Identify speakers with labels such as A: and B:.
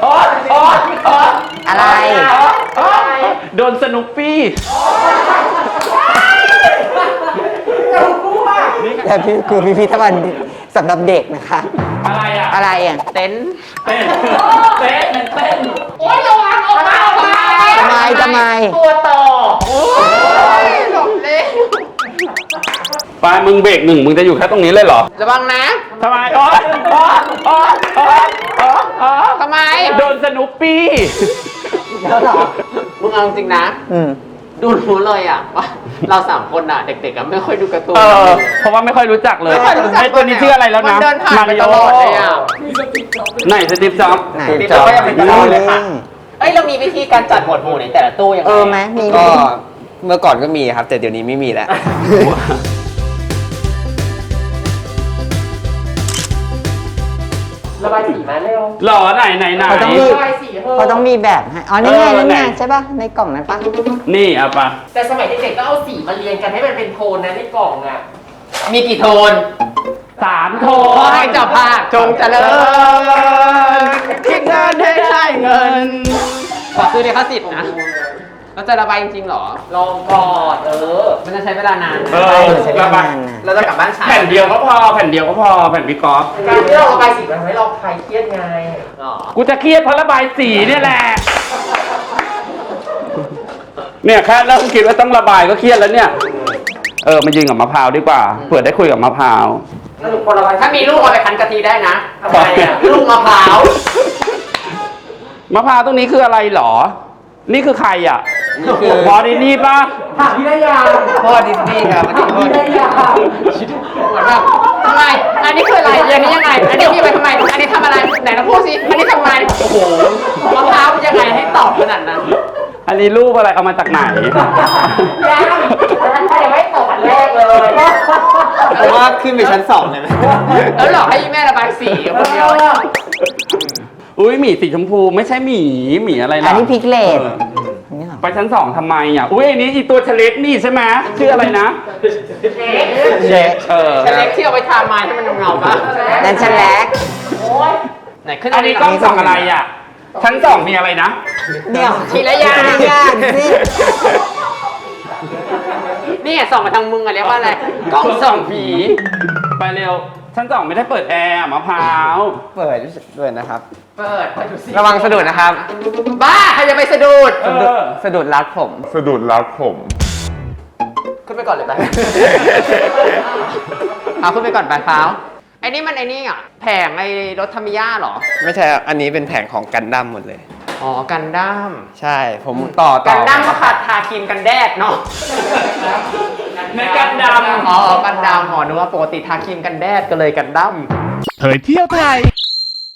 A: อะไร
B: โดนสนุกปี้
A: แต่คือพิพิธภัณฑ์สำหรับเด็กนะคะ
B: อะไรอ่ะ
A: อะไรอ่ะ
C: เต็นท์
B: เต้น
D: โอ๊ยระวังออกมาออกมา
A: ทำไม
D: ตัวต่อโอ๊ยหลบเลย
B: ไปมึงเบรกหนึ่งมึงจะอยู่แค่ตรงนี้เลยเหรอ
C: ระวังนะ
B: ทำไม
C: ทำไม
B: โดนสนุกปี้
A: แล้วเหรอ
C: มึงเอาจริงนะ ดูรู้เลยอ่ะว่าเราสามคนอ่ะเด็กๆอ่ะไม่ค่อยดูการ์ตูน
B: เพราะว่าไม่ค่อยรู้จักเลย
C: ไม่ค่อยรู้จัก
B: ไอ้ตัวนี้ชื่ออะไรแล้วนะ
C: มันเดินผ่านไปตลอดเลยอ่ะ
B: ไหนสตีฟจ็อบส์
A: ไหน
C: ติ๊บก็ยังเป็นตลอดเลยค่ะเอ้ยเรามีวิธีการจัดหมวดหมู่ในแต่ละตู้ยังไง
A: ไหมมี
E: ก็เมื่อก่อนก็มีครับ แต่เดี๋ยวนี้ไม่มีแล้ว
D: ระบายสีมาเร็ว
B: หล่อไหน
A: เขาต้องมี
D: ระบายสีเถอะ
A: เขาต้องมีแบบให้อ๋อนี่ไงนี่ไงใช่ป่ะในกล่องนั้นป่ะ
B: นี่เอาปะ
D: แต่สมัยเด็กๆก็เอาสีมาเรียงกันให้มันเป็นโทนนะในกล่องอ่ะ
C: มีกี่โทน
B: 3 โท
C: ขอให้เจ้าภาพจงเจริญคิดเงินให้ได้เงิน ขอซื้อลิขสิทธิ์นะเราจะระบายจริงๆเหรอ
D: ลองก่อน
C: มันจะใช้เวลานานนะ
A: ใช้เวลานานนะ
C: เราจะกลับบ้านช้า
B: แผ่นเดียวก็พอแผ่นพี่กอล์ฟ
D: การที่เราระบายสีมันทำให้เราคลายเครียดไง
C: อ๋อ
B: กูจะเครียดเพราะระบายสีเนี่ยแหละ เนี่ยแค่เริ่มคิดว่าต้องระบายก็เครียดแล้วเนี่ย มายืนกับมะพร้าวดีกว่าเผื่อได้คุยกับมะพร้าว
D: สรุปคนระบาย
C: ถ้ามีลูกเอาไปคั้นกะทิได้นะ
D: ทำไมอ่ะ
C: ลูกมะพร้าว
B: มะพร้าวตรงนี้คืออะไรหรอ นี่คือใครอ่ะ
E: นี่คือ
B: พอดีนี่ปะ
D: ถามพี่ได้ยัง
E: พ่อดิสนีย์ครับอันนี้พ่อ
D: พี่
E: ดิ
D: ได้
E: สนีย์
D: ยัง
C: เหมือนแบบทำไม อันนี้คืออะไรอันนี้ยังไง อันนี้พี่ไปทำไม อันนี้ทำอะไร ไหนเราพูดสิ อันนี้ทำไม โอ้โห มะพร้าวเป็นยังไงให้ตอบขนาดนั้น
B: อันนี้รูปอะไรเอามาจากไหน
D: ยังอันนั้นยังไม่ตกอันแรกเลย
E: ผมว่าขึ้นไปชั้น2เลยไหม
C: แล้วหลอกให้แม่ระบายสีกับคนเดียว
B: อุ้ยหมีสีชมพูไม่ใช่หมีอะไร
A: อั
B: ล่ะ
A: นนี้พิกเลต
B: เออ
A: นี่เหรอ
B: ไปชั้น 2ทำไมอ่ะ อุ้ยอันนี้อีตัวเฉล็กนี่ใช่ไหมชื่ออะไรนะ
A: เช็ค
C: เฉล็กที่เอาไปทาไม้ให้มันเงาๆป่ะ
A: นั่นฉันแลก
C: ไหนขึ้น
B: อันนี้กล้องส่องอะไรอ่ะ ชั้น 2มีอะไรนะ
A: เนี่ย
C: ทีละอย่าง
A: ทีละอย่างสิ
C: นี่ส่องมาทางมึงอะเรียกว่าอะไร กล้องส่องผี
B: ไปเร็ว ชั้น 2ไม่ได้เปิดแอร์มะพร้าว
E: เปิดด้วยนะครับ
C: เปิดดูสิ
E: ระวังสะดุดนะครับ
C: บ้าใครจะไปสะดุด
E: สะดุดรัดผม
C: ขึ้นไปก่อนเลยไป เอาขึ้นไปก่อนไปเท้าไอ้นี่มันไอ้นี่อ่ะแผงไอ้รถทามิยาเหรอ
E: ไม่ใช่อันนี้เป็นแผงของกันดั้มหมดเลย
C: อ๋อ กันดั้ม
E: ใช่ ผมต่อ
C: กันดั้มก็ขาดทาครีมกันแดดเนาะ
B: ในกันด
C: อ๋อ กันดั้มอ๋อนึกว่าปกติทาครีมกันแดดก็เลยกันดั้ม
F: เผยเที่ยวไทย